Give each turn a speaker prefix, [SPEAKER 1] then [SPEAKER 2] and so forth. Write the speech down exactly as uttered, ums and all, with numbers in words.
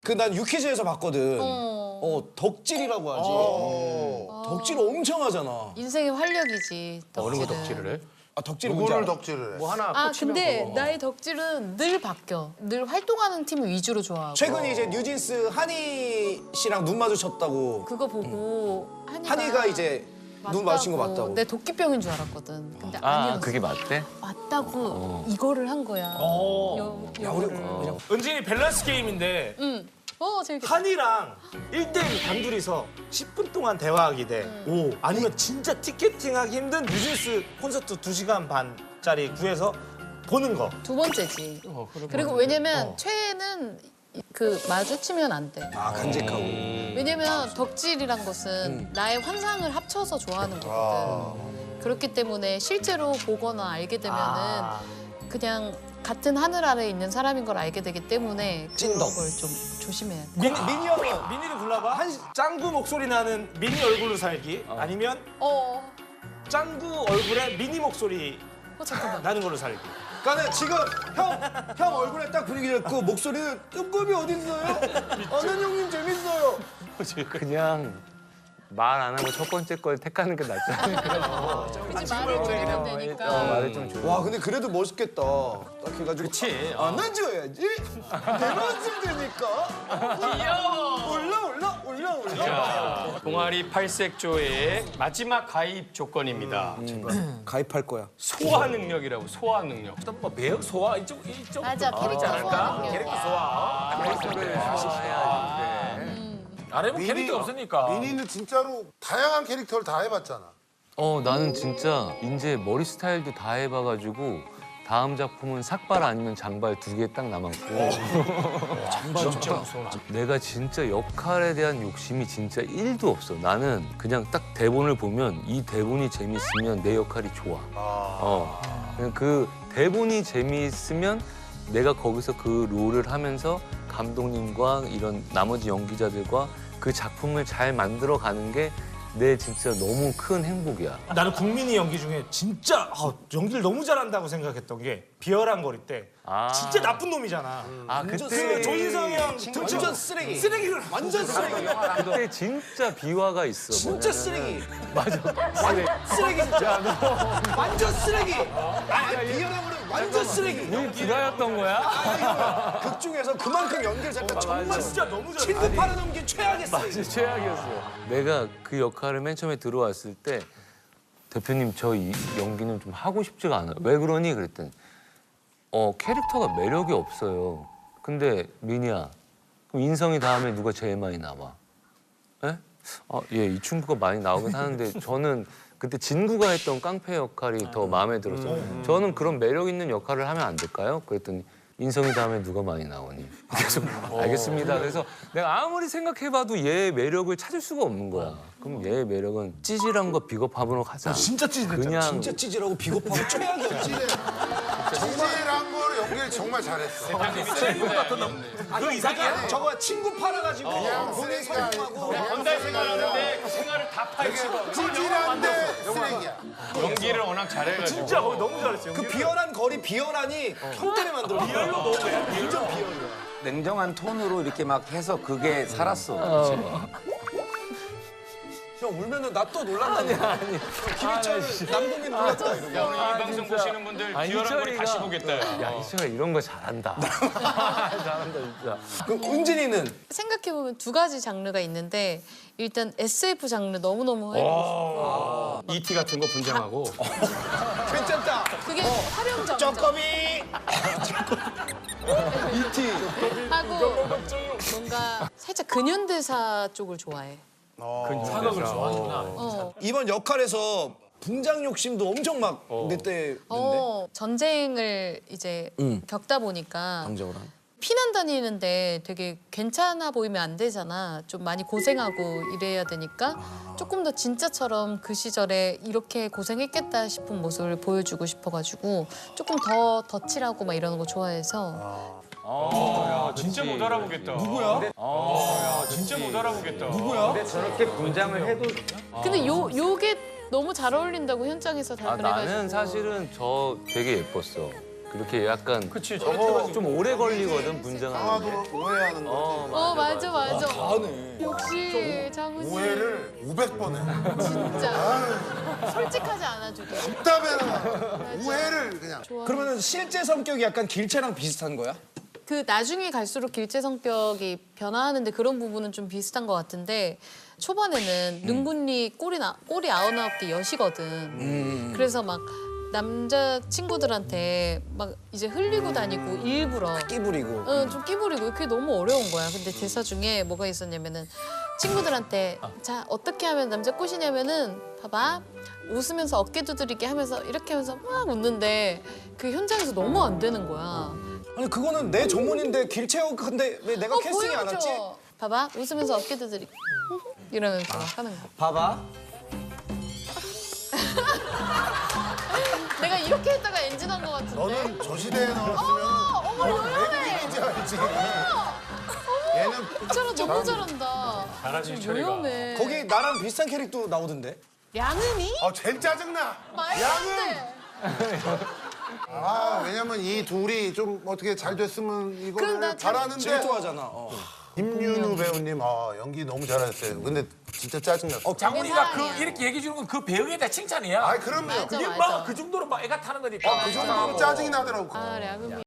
[SPEAKER 1] 그 난 유퀴즈에서 봤거든.
[SPEAKER 2] 어.
[SPEAKER 1] 어, 덕질이라고 하지. 어. 덕질 엄청 하잖아.
[SPEAKER 2] 인생의 활력이지.
[SPEAKER 3] 어느 거
[SPEAKER 2] 덕질은.
[SPEAKER 3] 덕질을 해?
[SPEAKER 1] 아, 덕질이 뭔지
[SPEAKER 4] 누구를
[SPEAKER 1] 알아?
[SPEAKER 4] 덕질을 해?
[SPEAKER 3] 뭐 하나
[SPEAKER 2] 아
[SPEAKER 3] 꽂히면
[SPEAKER 2] 근데
[SPEAKER 3] 그거.
[SPEAKER 2] 나의 덕질은 늘 바뀌어. 늘 활동하는 팀 위주로 좋아하고.
[SPEAKER 1] 최근에 이제 뉴진스 한희 씨랑 눈 마주쳤다고.
[SPEAKER 2] 그거 보고 한이가,
[SPEAKER 1] 한이가 이제 눈 마주친 거 맞다고.
[SPEAKER 2] 내 도끼병인 줄 알았거든. 근데
[SPEAKER 5] 아,
[SPEAKER 2] 아니었어.
[SPEAKER 5] 그게 맞대?
[SPEAKER 2] 맞다고 이거를 한 거야.
[SPEAKER 3] 어.
[SPEAKER 2] 여,
[SPEAKER 1] 야, 우리
[SPEAKER 2] 영어를.
[SPEAKER 1] 그냥
[SPEAKER 3] 은진이 밸런스 게임인데
[SPEAKER 2] 응. 어 재밌겠다.
[SPEAKER 3] 한이랑 일 대일 단둘이서 십 분 동안 대화하기 대 오. 아니면 진짜 티켓팅하기 힘든 뉴진스 콘서트 두 시간 반짜리 구해서 보는 거.
[SPEAKER 2] 두 번째지.
[SPEAKER 3] 어,
[SPEAKER 2] 그리고 왜냐면 최애는 그 마주치면 안 돼.
[SPEAKER 1] 아, 간직하고.
[SPEAKER 2] 왜냐면 덕질이란 것은 나의 환상을 합쳐서 좋아하는 거거든. 그렇기 때문에 실제로 보거나 알게 되면은
[SPEAKER 3] 아.
[SPEAKER 2] 그냥 같은 하늘 아래에 있는 사람인 걸 알게 되기 때문에
[SPEAKER 1] 찐덕.
[SPEAKER 2] 그걸 좀 조심해야 돼.
[SPEAKER 3] 미니, 미니 형은 미니를 불러봐. 한 짱구 목소리 나는 미니 얼굴로 살기 아니면
[SPEAKER 2] 어.
[SPEAKER 3] 짱구 얼굴에 미니 목소리
[SPEAKER 2] 어 잠깐만.
[SPEAKER 3] 나는 걸로 살기.
[SPEAKER 1] 그러니까 지금 형, 형 얼굴에 딱 분위기 잡고 목소리는 뜬금이 어딨어요? 아는 형님 재밌어요.
[SPEAKER 5] 그냥 말 안 하고 첫 번째 걸 택하는 게 낫지 않을까?
[SPEAKER 2] 그치 말을 줄이면
[SPEAKER 5] 어,
[SPEAKER 2] 되니까.
[SPEAKER 5] 말을 좀 줄여.
[SPEAKER 1] 와, 근데 그래도 멋있겠다. 딱 해가지고. 그치. 안 해줘야지. 내려왔으면 되니까. 귀여워. 올라, 올라, 올라, 올라.
[SPEAKER 6] 자, 동아리 팔색조의 마지막 가입 조건입니다.
[SPEAKER 1] 가입할 거야.
[SPEAKER 6] 소화 능력이라고, 소화 능력. 일단 뭐 배역 소화 이쪽 이쪽
[SPEAKER 2] 맞아 캐릭터 소화하는 게.
[SPEAKER 6] 소화.
[SPEAKER 5] 캐릭터를 해야지.
[SPEAKER 6] 아래면 캐릭터 없으니까.
[SPEAKER 4] 미니는 진짜로 다양한 캐릭터를 다 해봤잖아.
[SPEAKER 5] 어, 나는 진짜 이제 머리 스타일도 다 해봐가지고 다음 작품은 삭발 아니면 장발 두 개 딱 남았고.
[SPEAKER 6] 장발 진짜 무서워.
[SPEAKER 5] 내가 진짜 역할에 대한 욕심이 진짜 일도 없어. 나는 그냥 딱 대본을 보면 이 대본이 재밌으면 내 역할이 좋아. 어. 그냥 그 대본이 재미있으면 내가 거기서 그 롤을 하면서 감독님과 이런 나머지 연기자들과 그 작품을 잘 만들어 가는 게 내 진짜 너무 큰 행복이야.
[SPEAKER 3] 나는 국민이 연기 중에 진짜 아, 연기를 너무 잘한다고 생각했던 게 비열한 거리 때
[SPEAKER 5] 아.
[SPEAKER 3] 진짜 나쁜 놈이잖아.
[SPEAKER 5] 아,
[SPEAKER 3] 그
[SPEAKER 5] 그때
[SPEAKER 3] 조인성 형
[SPEAKER 1] 완전 쓰레기.
[SPEAKER 3] 쓰레기를
[SPEAKER 1] 완전 쓰레기.
[SPEAKER 5] 그때 진짜 비화가 있어.
[SPEAKER 1] 진짜
[SPEAKER 5] 뭐냐면은-
[SPEAKER 1] 쓰레기.
[SPEAKER 5] 맞아.
[SPEAKER 1] 쓰레기 진짜. 완전 쓰레기. 아니, 비열함으로는 완전 쓰레기.
[SPEAKER 5] 우리 비화였던 거야?
[SPEAKER 1] 아, 이거 극 중에서 그만큼 연기를 잘했다. 정말
[SPEAKER 3] 진짜 너무 잘해.
[SPEAKER 1] 친구 팔아넘긴 최악의 쓰레기.
[SPEAKER 5] 진짜 최악이었어. 내가 그 역할을 맨 처음에 들어왔을 때 대표님 저 이 연기는 좀 하고 싶지가 않아요. 왜 그러니? 그랬더니 어 캐릭터가 매력이 없어요. 근데 미니야 그럼 인성이 다음에 누가 제일 많이 나와? 에? 아, 예, 이 친구가 많이 나오긴 하는데 저는 그때 진구가 했던 깡패 역할이 더 마음에 들었어요. 저는 그런 매력 있는 역할을 하면 안 될까요? 그랬더니 인성이 다음에 누가 많이 나오니? 계속 알겠습니다. 그래서 내가 아무리 생각해봐도 얘의 매력을 찾을 수가 없는 거야. 그럼 얘의 매력은 찌질한 거 비겁함으로 가자.
[SPEAKER 3] 진짜 찌질했잖아.
[SPEAKER 5] 그냥
[SPEAKER 1] 진짜 찌질하고 비겁하고 최악이었지.
[SPEAKER 4] 찌질한 걸 연기를 정말 잘했어.
[SPEAKER 3] 그 이상이야?
[SPEAKER 1] 저거 친구 팔아가지고 본인 설명하고
[SPEAKER 6] 건달 생활하는데 그 생활을 다 파헤치고
[SPEAKER 4] 찌질한데 쓰레기야.
[SPEAKER 6] 연기를 워낙 잘해가지고.
[SPEAKER 3] 진짜 거기 너무 잘했어.
[SPEAKER 1] 그 비열한 거리 비열하니 형 때문에 만들었어. 비열로 너무 완전 비열이야.
[SPEAKER 7] 냉정한 톤으로 이렇게 막 해서 그게 살았어.
[SPEAKER 1] 형 울면은 나 또 놀란다. 아니 아니. 김희철 남동민 놀랐다 이러고.
[SPEAKER 6] 야, 오늘 이 방송 보시는 분들
[SPEAKER 5] 아,
[SPEAKER 6] 비열한 거리
[SPEAKER 5] 이철이가-
[SPEAKER 6] 다시 보겠다. 야.
[SPEAKER 5] 야, 이철아 이런 거 잘한다. 잘한다 진짜.
[SPEAKER 1] 그럼 은진이는
[SPEAKER 2] 생각해보면 두 가지 장르가 있는데 일단 에스에프 장르 너무너무 해보고 싶고
[SPEAKER 6] 이티 같은 거 분장하고.
[SPEAKER 1] 괜찮다.
[SPEAKER 2] 그게 활용 장르
[SPEAKER 1] 쪼꼬미. 이티.
[SPEAKER 2] 하고 뭔가 살짝 근현대사 쪽을 좋아해.
[SPEAKER 6] 사극을 좋아하는구나.
[SPEAKER 2] 어.
[SPEAKER 1] 이번 역할에서 분장 욕심도 엄청 막 내 때.
[SPEAKER 2] 어, 전쟁을 이제 겪다 보니까
[SPEAKER 1] 강정을 한.
[SPEAKER 2] 피난 다니는데 되게 괜찮아 보이면 안 되잖아. 좀 많이 고생하고 이래야 되니까 조금 더 진짜처럼 그 시절에 이렇게 고생했겠다 싶은 모습을 보여주고 싶어가지고 조금 더 덧칠하고 막 이러는 거 좋아해서
[SPEAKER 6] 야, 진짜 못 알아보겠다.
[SPEAKER 1] 누구야?
[SPEAKER 6] 야, 진짜 못 알아보겠다.
[SPEAKER 1] 누구야?
[SPEAKER 7] 근데 저렇게 분장을 해도
[SPEAKER 2] 근데 요 요게 너무 잘 어울린다고 현장에서 다
[SPEAKER 5] 아,
[SPEAKER 2] 그래가지고
[SPEAKER 5] 나는 사실은 저 되게 예뻤어. 그렇게 약간
[SPEAKER 6] 그치,
[SPEAKER 5] 좀 오래 걸리거든 분장하는데.
[SPEAKER 4] 강화도 오해하는 거.
[SPEAKER 5] 어,
[SPEAKER 2] 어
[SPEAKER 5] 맞아.
[SPEAKER 1] 잘하네.
[SPEAKER 2] 역시 장훈 씨
[SPEAKER 4] 오해를 오백 번 해.
[SPEAKER 2] 진짜 솔직하지 않아주게.
[SPEAKER 4] 답답해라. 오해를 그냥.
[SPEAKER 1] 그러면은 실제 성격이 약간 길채랑 비슷한 거야?
[SPEAKER 2] 그 나중에 갈수록 길체 성격이 변화하는데 그런 부분은 좀 비슷한 것 같은데 초반에는 능군리 꼬리 나 꼬리 아흔아홉 개 여시거든. 그래서 막 남자 친구들한테 막 이제 흘리고 다니고 일부러
[SPEAKER 1] 끼부리고.
[SPEAKER 2] 응, 좀 끼부리고 그게 너무 어려운 거야. 근데 대사 중에 뭐가 있었냐면은 친구들한테 자 어떻게 하면 남자 꼬시냐면은 봐봐 웃으면서 어깨 두드리게 하면서 이렇게 하면서 막 웃는데 그 현장에서 너무 안 되는 거야.
[SPEAKER 1] 아니 그거는 내 전문인데 길채역인데 왜 내가
[SPEAKER 2] 어,
[SPEAKER 1] 캐스팅이 안
[SPEAKER 2] 보여줘.
[SPEAKER 1] 왔지?
[SPEAKER 2] 봐봐 웃으면서 어깨 두드리기 이러면서 막 하는 거.
[SPEAKER 1] 봐봐.
[SPEAKER 2] 내가 이렇게 했다가 엔진한 거 같은데.
[SPEAKER 4] 너는 저 시대에 나왔으면
[SPEAKER 2] 어머 어머 요염해.
[SPEAKER 4] 외국인인지 알지. 얘는
[SPEAKER 2] 잘하 너무 잘한다.
[SPEAKER 6] 잘하지,
[SPEAKER 2] 좀 요염해.
[SPEAKER 1] 거기 나랑 비슷한 캐릭터 나오던데.
[SPEAKER 2] 양은이?
[SPEAKER 4] 어 제일 짜증나.
[SPEAKER 2] 말도 안 돼.
[SPEAKER 4] 아 왜냐면 이 둘이 좀 어떻게 잘 됐으면
[SPEAKER 2] 그럼
[SPEAKER 4] 이거를
[SPEAKER 2] 나 잘-
[SPEAKER 4] 잘하는데
[SPEAKER 1] 질투하잖아. 어.
[SPEAKER 4] 김윤우 배우님 아 연기 너무 잘하셨어요. 근데 진짜 짜증났어.
[SPEAKER 6] 장훈이가 그
[SPEAKER 2] 사랑이야.
[SPEAKER 6] 이렇게 얘기해 주는 건 그 배우에 대한 칭찬이야.
[SPEAKER 4] 아 그럼요.
[SPEAKER 2] 맞아,
[SPEAKER 6] 그게
[SPEAKER 2] 맞아.
[SPEAKER 6] 막 그 정도로 막 애가 타는 거니까.
[SPEAKER 4] 그 정도로 짜증이 나더라고.
[SPEAKER 2] 아 량은이.